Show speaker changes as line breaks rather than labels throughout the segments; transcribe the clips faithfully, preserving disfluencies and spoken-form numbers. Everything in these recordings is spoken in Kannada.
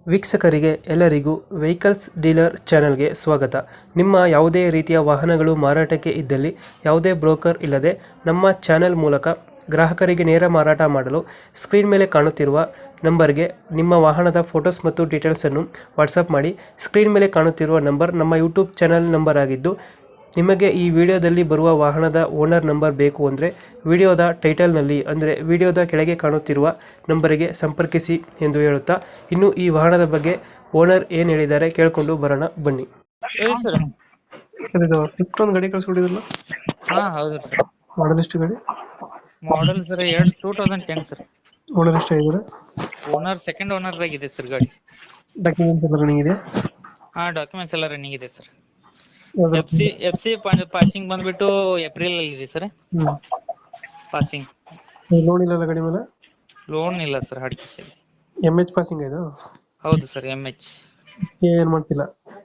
ವೀಕ್ಷಕರಿಗೆ ಎಲ್ಲರಿಗೂ ವೆಹಿಕಲ್ಸ್ ಡೀಲರ್ ಚಾನೆಲ್ಗೆ ಸ್ವಾಗತ. ನಿಮ್ಮ ಯಾವುದೇ ರೀತಿಯ ವಾಹನಗಳು ಮಾರಾಟಕ್ಕೆ ಇದ್ದಲ್ಲಿ ಯಾವುದೇ ಬ್ರೋಕರ್ ಇಲ್ಲದೆ ನಮ್ಮ ಚಾನೆಲ್ ಮೂಲಕ ಗ್ರಾಹಕರಿಗೆ ನೇರ ಮಾರಾಟ ಮಾಡಲು ಸ್ಕ್ರೀನ್ ಮೇಲೆ ಕಾಣುತ್ತಿರುವ ನಂಬರ್ಗೆ ನಿಮ್ಮ ವಾಹನದ ಫೋಟೋಸ್ ಮತ್ತು ಡೀಟೇಲ್ಸನ್ನು ವಾಟ್ಸಪ್ ಮಾಡಿ. ಸ್ಕ್ರೀನ್ ಮೇಲೆ ಕಾಣುತ್ತಿರುವ ನಂಬರ್ ನಮ್ಮ ಯೂಟ್ಯೂಬ್ ಚಾನೆಲ್ ನಂಬರ್ ಆಗಿದ್ದು, ನಿಮಗೆ ಈ ವಿಡಿಯೋದಲ್ಲಿ ಬರುವ ವಾಹನದ ಓನರ್ ನಂಬರ್ ಬೇಕು ಅಂದರೆ ವಿಡಿಯೋದ ಟೈಟಲ್ನಲ್ಲಿ ಅಂದರೆ ವಿಡಿಯೋದ ಕೆಳಗೆ ಕಾಣುತ್ತಿರುವ ನಂಬರಿಗೆ ಸಂಪರ್ಕಿಸಿ ಎಂದು ಹೇಳುತ್ತಾ, ಇನ್ನು ಈ ವಾಹನದ ಬಗ್ಗೆ ಓನರ್ ಏನು ಹೇಳಿದ್ದಾರೆ ಕೇಳಿಕೊಂಡು ಬರೋಣ ಬನ್ನಿ.
ಹೇಳಿ ಸರ್.
ಸರ್, ಇದು ಸ್ವಿಫ್ಟ್ ಒಂದು ಗಾಡಿ ಕಳಿಸ್ಕೊಟ್ಟಿದ್ರಲ್ಲ,
ಹಾ ಹೌದು ಸರ್.
ಮಾಡಲ್ ಎಷ್ಟು ಗಾಡಿ?
ಮಾಡೆಲ್ ಸರ್ ಎರಡು two thousand ten sir.
Owner ಎಷ್ಟು ಆಗಿದ್ದಾರೆ?
ಓನರ್ ಸೆಕೆಂಡ್ ಓನರ್ ಆಗಿದೆ ಸರ್ ಗಾಡಿ.
ಡಾಕ್ಯುಮೆಂಟ್ಸ್ ಎಲ್ಲ ರನ್ನಿಂಗ್ ಇದೆ?
ಹಾ ಡಾಕ್ಯುಮೆಂಟ್ಸ್ ಎಲ್ಲ ರನ್ನಿಂಗ್ ಇದೆ ಸರ್.
ಯಾವ್ದು?
F C F C passing ಬಂದ್ಬಿಟ್ಟು ಏಪ್ರಿಲ್ ಅಲ್ಲಿ ಇದೆ ಸರ್
ಹ್ಮ್.
ಪಾಸಿಂಗ್.
ಲೋನ್ ಇಲ್ಲ ಗಾಡಿ ಮೇಲೆ?
ಲೋನ್ ಇಲ್ಲ ಸರ್, ಹಡ್ ಕ್ಯಾಶ್ ಇದೆ.
ಎಮ್ ಎಚ್ ಪಾಸಿಂಗ್ ಇದು?
ಹೌದು ಸರ್, ಎಮ್ ಎಚ್.
ಏನು ಮಾಡ್ತಿಲ್ಲ?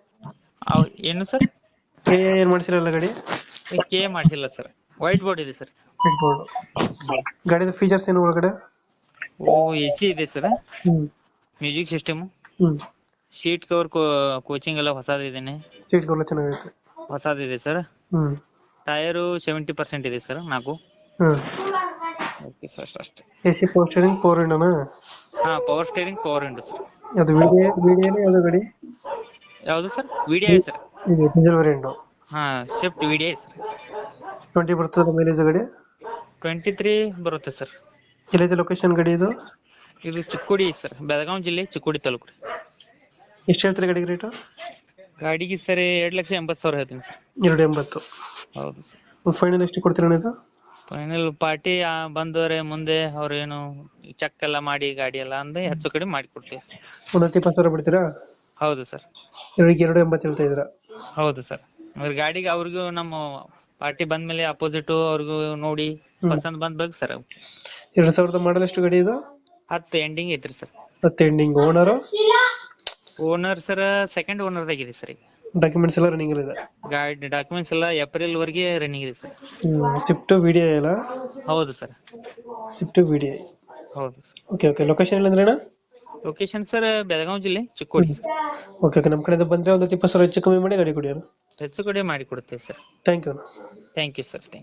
ಏನು ಸರ್?
ಕೆ ಏನು ಮಾಡ್ಸಿರಲ್ಲ ಗಾಡಿ?
ಕೆ ಮಾಡಿಸಿಲ್ಲ ಸರ್, ವೈಟ್ ಬೋರ್ಡ್ ಇದೆ ಸರ್.
White board. ಗಾಡಿದ ಫೀಚರ್ಸ್ ಏನು ಒಳಗಡೆ?
ಓ ಎ ಸಿ ಇದೆ ಸರ್,
ಹ್ಮ್
ಮ್ಯೂಸಿಕ್ ಸಿಸ್ಟಮ್,
ಹ್ಮ್
ಶೀಟ್ ಕವರ್, ಕೋಚಿಂಗ್ ಎಲ್ಲ ಹೊಸದಿದ್ದೇನೆ,
ಸೀಟ್ ಎಲ್ಲ ಚೆನ್ನಾಗೈತೆ.
ಹೊಸದಿದೆ ಸರ್.
ಹ್ಮ್
ಟೈರು ಸೆವೆಂಟಿ ಪರ್ಸೆಂಟ್ ಇದೆ ಸರ್, ನಾಲ್ಕು.
ಹ್ಮ್
ಓಕೆ ಸರ್, ಅಷ್ಟೇ.
A C power steering four ವಿಂಡೋನಾ?
ಹಾ power steering power window sir.
ಅದು ವಿಡಿಯೋ ವಿಡಿಯೋನೇ ಯಾವುದು ಗಾಡಿ?
ಯಾವುದು ಸರ್? VDI sir.
ಇದು ಡೀಸೆಲ್ ವೇರಿಯಂಟ್.
ಹಾ ಶಿಫ್ಟ್ ವಿಡಿಐ ಸರ್.
ಟ್ವೆಂಟಿ ಬರ್ತದೆ ಮೈಲೇಜ್ ಗಾಡಿ?
ಟ್ವೆಂಟಿ ತ್ರೀ ಬರುತ್ತೆ ಸರ್.
ಎಲ್ಲಿದೆ ಲೊಕೇಶನ್ ಗಾಡಿ ಇದು?
ಇದು ಚಿಕ್ಕೋಡಿ ಸರ್, ಬೆಳಗಾವಿ ಜಿಲ್ಲೆ ಚಿಕ್ಕೋಡಿ ತಾಲೂಕು ರೀ.
ಎಷ್ಟು ಹೇಳ್ತಾರೆ ಗಾಡಿಗೆ ರೇಟು?
ಗಾಡಿಗೆ ಸರ್ ಎರಡು ಲಕ್ಷ ಎಂಬತ್ತು ಸಾವಿರ ಹೇಳ್ತೀನಿ ಸರ್.
ಎರಡು ಎಂಬತ್ತು.
ಹೌದು ಸರ್.
ಫೈನಲ್ ಎಷ್ಟು ಕೊಡ್ತೀರಾ ಇದು?
ಫೈನಲ್ ಪಾರ್ಟಿ ಬಂದವರೆ ಮುಂದೆ ಅವ್ರೇನು ಚೆಕ್ ಎಲ್ಲ ಮಾಡಿ ಗಾಡಿ ಎಲ್ಲ ಅಂದ್ರೆ ಹೆಚ್ಚು ಕಡಿಮೆ ಮಾಡಿ ಕೊಡ್ತೀವಿ ಸರ್.
ಒಂದು ಹತ್ತು ಇಪ್ಪತ್ತು ಸಾವಿರ ಬಿಡ್ತೀರಾ?
ಹೌದು ಸರ್.
ಎರಡಿಗೆ ಎರಡು ಎಂಬತ್ತು ಹೇಳ್ತಾ ಇದ್ದೀರಾ?
ಹೌದು ಸರ್. ಅವ್ರ ಗಾಡಿಗೆ ಅವ್ರಿಗೂ ನಮ್ಮ ಪಾರ್ಟಿ ಬಂದ್ಮೇಲೆ ಅಪೋಸಿಟ್ ಅವ್ರಿಗೂ ನೋಡಿ ಪಸಂದ್ ಬಂದ್ ಬೇಕು ಸರ್.
ಎರಡು ಸಾವಿರದ ಮಾಡಲ್ ಎಷ್ಟು ಗಾಡಿ ಇದು?
ಹತ್ತು ಎಂಡಿಂಗ್ ಐತ್ರಿ ಸರ್.
ಹತ್ತು ending. Owner?
Owner sir second owner ಆಗಿದೆ ಸರ್. ಈಗ
ಡಾಕ್ಯುಮೆಂಟ್ಸ್ ಎಲ್ಲ ರನ್ನಿಂಗ್ ಇದೆ?
ಗಾಡಿ ಡಾಕ್ಯುಮೆಂಟ್ಸ್ ಎಲ್ಲ ಏಪ್ರಿಲ್ ವರೆಗೆ ರನ್ನಿಂಗ್ ಇದೆ ಸರ್.
ಸ್ವಿಫ್ಟ್ ವಿಡಿಯೋ ಎಲ್ಲ?
ಹೌದು ಸರ್.
Swift video.
ಹೌದು ಸರ್.
Okay okay. ಲೊಕೇಶನ್ ಎಲ್ಲ ಅಂದ್ರೆ?
ಲೊಕೇಶನ್ ಸರ್ ಬೆಳಗಾವಿ ಜಿಲ್ಲೆ ಚಿಕ್ಕೋಡಿ ಸರ್.
Okay okay. ನಮ್ಮ ಕಡೆಯಿಂದ ಬಂದರೆ ಒಂದು ಇಪ್ಪತ್ತು ಸಾವಿರ ಹೆಚ್ಚು ಕಮ್ಮಿ ಮಾಡಿ ಗಾಡಿ ಕೊಡಿ.
ಹೆಚ್ಚು ಕಡಿಮೆ ಮಾಡಿ ಕೊಡ್ತೇವೆ sir.
Thank you.
Thank you sir. Thank you.